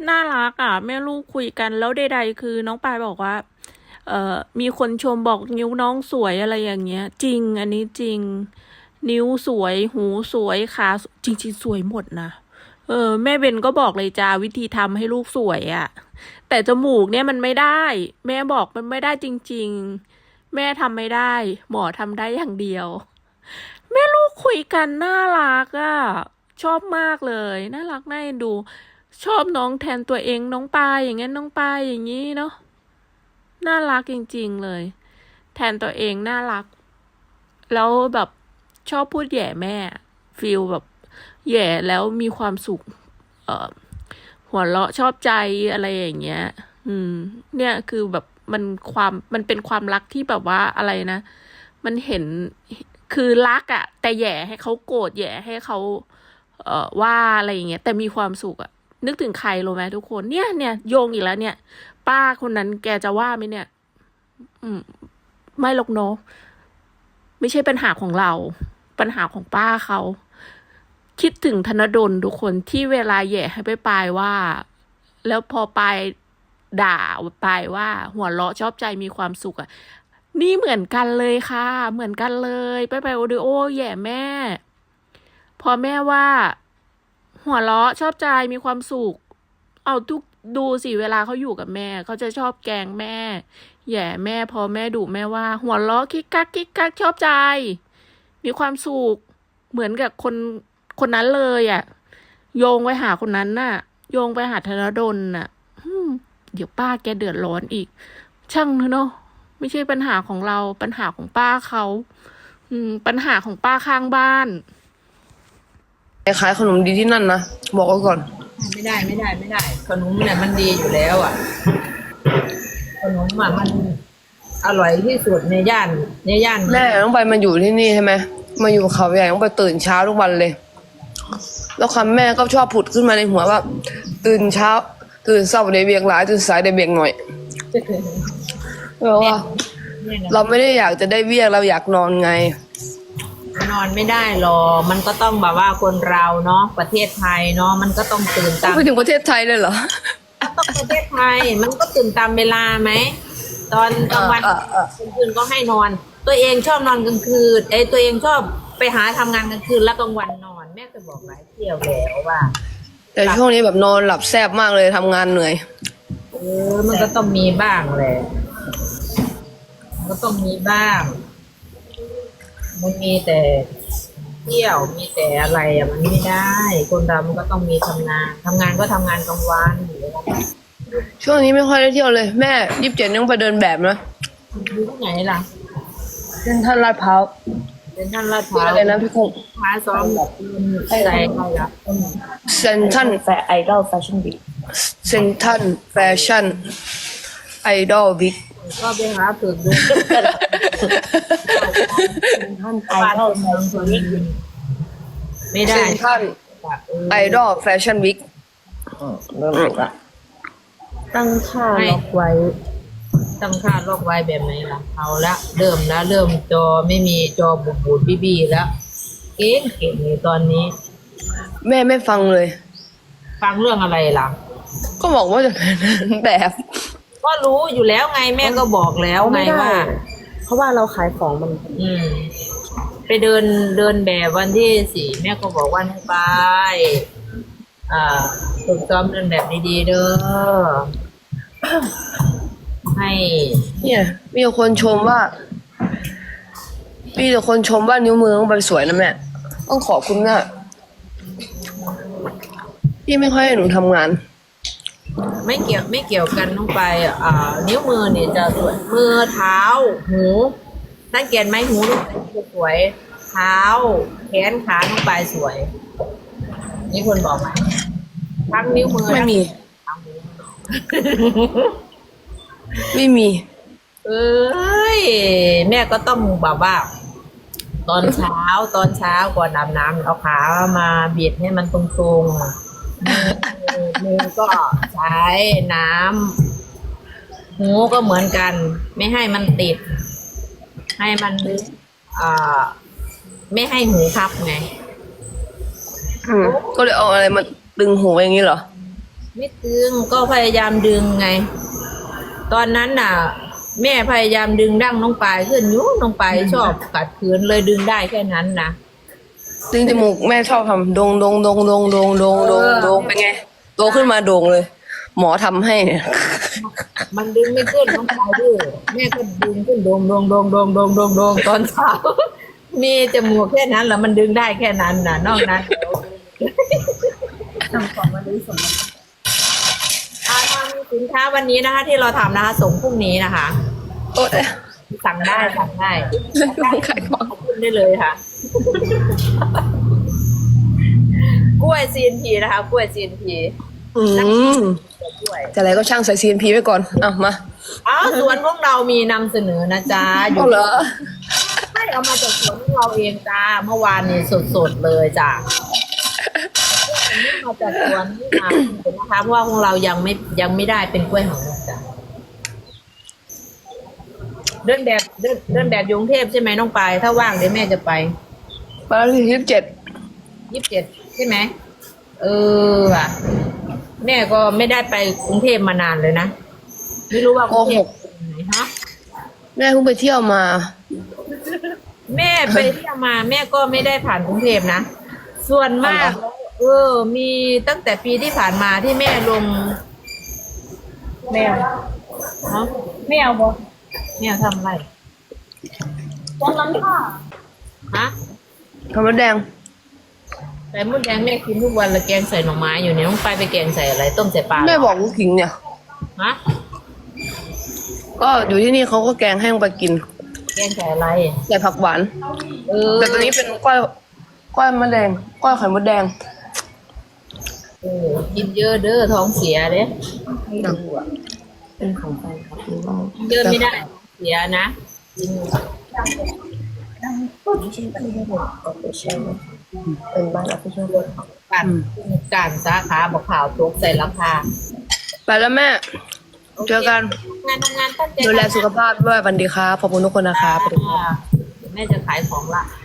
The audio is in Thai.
น่ารักอ่ะแม่ลูกคุยกันแล้วใดๆคือน้องปายบอกว่ามีคนชมบอกนิ้วน้องสวยอะไรอย่างเงี้ยจริงอันนี้จริงนิ้วสวยหูสวยขาจริงๆสวยหมดนะแม่เบนก็บอกเลยจ้าวิธีทำให้ลูกสวยอ่ะแต่จมูกเนี่ยมันไม่ได้แม่บอกมันไม่ได้จริงๆแม่ทำไม่ได้หมอทำได้อย่างเดียวแม่ลูกคุยกันน่ารักอ่ะชอบมากเลยน่ารักน่าเอ็นดู ชอบน้องแทนตัวเองน้องปายอย่างงั้นน้องปายอย่างนี้เนาะน่ารักจริงๆเลยแทนตัวเองน่ารักแล้วแบบชอบพูดแย่แม่ฟีลแบบแย่แล้วมีความสุขเอ่อหัวเราะชอบใจอะไรอย่างเงี้ยเนี่ยคือแบบมันเป็นความรักที่แบบว่าอะไรนะมันเห็นคือรักอะแต่แย่ให้เขาโกรธแย่ให้เขาว่าอะไรอย่างเงี้ยแต่มีความสุขอะ นึกถึงใครรู้ไหมทุกคนเนี่ยโยงอีกแล้วเนี่ยป้าคนนั้นแกจะว่าไหมเนี่ยอืมไม่หรอกเนาะไม่ใช่ปัญหาของเราปัญหาของป้าเขาคิดถึงธนดลทุกคนที่เวลาแย่ให้ไปปายว่าแล้วพอปายด่าปายว่าหัวเราะชอบใจมีความสุขอ่ะนี่เหมือนกันเลยค่ะเหมือนกันเลยไปโอดิโอแย่แม่พอแม่ว่าหัวเราะชอบใจมีความสุข เอาทุกดูสิเวลาเขาอยู่กับแม่เขาจะชอบแกล้งแม่แย่แม่พอแม่ดุแม่ว่าหัวเราะคิกคักคิกคักชอบใจมีความสุขเหมือนกับคนนั้นเลยอ่ะโยงไปหาคนนั้นน่ะโยงไปหาธนดลน่ะเดี๋ยวป้าแกเดือดร้อนอีกช่างเถอะเนาะไม่ใช่ปัญหาของเราปัญหาของป้าเขาปัญหาของป้าข้างบ้านขายขนมดีที่นั่นนะบอกไว้ก่อนไม่ได้ขนมเนี่ยมันดีอยู่แล้วอ่ะขนมอ่ะมันอร่อยที่สุดในย่านแม่ต้องไปมาอยู่ที่นี่ใช่ไหมมาอยู่เขาใหญ่ต้องไปตื่นเช้าทุกวันเลย แล้วคำแม่ก็ชอบผุดขึ้นมาในหัวว่าตื่นเช้าตื่นเช้าได้เบียกหลายตื่นสายได้เบียกหน่อยเพราะว่าเราไม่ได้อยากจะได้เบียกเราอยากนอนไงนอนไม่ได้หรอกมันก็ต้องแบบว่าคนเราเนาะประเทศไทยเนาะมันก็ต้องตื่นตามไปถึงประเทศไทยเลยเหรอต้องประเทศไทยมันก็ตื่นตามเวลาไหมตอนกลางวันกลางคืนก็ให้นอนตัวเองชอบนอนกลางคืนตัวเองชอบไปหาทำงานกลางคืนแล้วกลางวันนอนแม่เคยบอกหลายเที่ยวแล้วว่าแต่ช่วงนี้แบบนอนหลับแซ่บมากเลยทำงานเหนื่อยมันก็ต้องมีบ้างแหละมันก็ต้องมีบ้างมันมีแต่เที่ยวมีแต่อะไรอ่ะมันไม่ได้คนเรามันก็ต้องมีทำงานก็ทำงานกลางวันอยู่แล้วช่วงนี้ไม่ค่อยได้เที่ยวเลยแม่27ยังไปเดินแบบนะอยู่ที่ไหนล่ะเส้นท่านลาดพร้าวเป็นท่านลาดพร้าวอะไรนะพี่คงพาซ้อมแบบใส่อะไรล่ะเซนทันแฟไอดอลแฟชั่นวีคเซนทันแฟชั่นไอดอลวิกก็ไปหาฝึกดูท่านไอดอลแฟชั่นวีคไม่ได้เซนทันไอดอลแฟชั่นวิกเริ่มถูกละตั้งค่าล็อกไว้ตั้งค่าล็อกไว้แบบไหนล่ะเอาละเริ่มจอไม่มีจอบูดบี้แล้วเก่งเลยตอนนี้แม่ไม่ฟังเลยฟังเรื่องอะไรล่ะก็บอกว่าจะเป็นแบบก็รู้อยู่แล้วไงแม่ก็บอกแล้วไงว่าเพราะว่าเราขายของมันไปเดินแบบวันที่4แม่ก็บอกว่าให้ไปฝึกซ้อมเดินแบบดีๆเด้อให้เนี่ยมีแต่คนชมว่านิ้วมือต้องไปสวยนะแม่ต้องขอบคุณนะพี่ไม่ค่อยให้หนูทำงานไม่เกี่ยวกันต้องไปนิ้วมือเนี่ยจะสวยมือเท้าหูสังเกตไหมหูสวยเท้าแขนขาต้องไปสวยนี่คนบอกไหมทั้งนิ้วมือไม่มีไม่มีแม่ก็ต้องแบบว่าตอนเช้าก่อนอาบน้ำเอาขามาบีบให้มันตรงๆมือก็ใช้น้ำหูก็เหมือนกันไม่ให้มันติดให้มันไม่ให้หูพับไงก็เลยเอาอะไรมาดึงหูอย่างนี้เหรอไม่ดึงก็พยายามดึงไง ตอนนั้นน่ะ แม่พยายามดึงดั้งน้องปายขึ้นยุ้น้องปายชอบขัดขืนเลยดึงได้แค่นั้นนะดึงจมูกแม่ชอบทำโดงโดงโดงโดงโดงโดงโดงโดงเป็นไงโตขึ้นมาโด่งเลย หมอทำให้เนี่ยมันดึงไม่ขึ้นน้องปายดื้อแม่ก็ดึงขึ้นโดงโดงโดงโดงโดงโดงโดงตอนเช้า มีจมูกแค่นั้นแหละมันดึงได้แค่นั้นน่ะ นอกนั้นทำของมาดูสมมติทางสินค้าวันนี้นะคะ ที่เราทำนะคะส่งพรุ่งนี้นะคะโอ๊ยสั่งได้สั่งได้ขายของขึ้นได้เลยค่ะ กล้วย CNP นะคะกล้วย CNP อืมกล้วยแต่อะไรก็ช่างใส่ CNP ไว้ก่อนอ่ะมาอ้าวสวนพวกเรามีนำเสนอนะจ๊ะอเอายู่เหรอให้เอามาจากสวนของเราเองจ้าเมื่อวานนี้สดๆเลยจ้ะมาจากสวนนี่นะนะคะเพราะว่าของเรายังไม่ได้เป็นกล้วยหอมจ้ะเดินแบบอยกรุงเทพใช่ไหมน้องปายถ้าว่างเดี๋ยวแม่จะไปมาแล้วที่ 27ใช่ไหมเออว่ะแม่ก็ไม่ได้ไปกรุงเทพมานานเลยนะไม่รู้ว่ากรุงเทพเป็นไหนฮะแม่เพิ่งไปเที่ยวมาแม่ไปเที่ยวมาแม่ก็ไม่ได้ผ่านกรุงเทพนะส่วนมากมีตั้งแต่ปีที่ผ่านมาที่แม่ลงแมวฮะแมวบอแม่ทำอะไรตรงนั้นค่ะฮะทำมดแดงใส่มดแดงแม่กินทุกวันละแกงใส่หน่อไม้อยู่เนี่ยต้องไปแกงใส่อะไรต้มใส่ปลาแม่บอกลูกขิงเนี่ยฮะก็อยู่ที่นี่เขาก็แกงให้ลงไปกินแกงใส่อะไรใส่ผักหวานเออแต่ตอนนี้เป็นก้อยมะแดงก้อยไข่มดแดงกินเยอะเด้อท้องเสียเด้ให้ดูอ่ะเป็นของแฟนคลับหรือว่าเยอะไม่ได้ท้องเสียนะกินไม่ใช่แบบที่เราออฟฟิเชียลเป็นบ้านออฟฟิเชียลเลยการสาขาบอกข่าวทุกใส่ราคาไปแล้วแม่ เจอกันทำงานตั้งใจดูแลสุขภาพด้วยวันดีครับขอบคุณทุกคนนะครับแม่จะขายของละ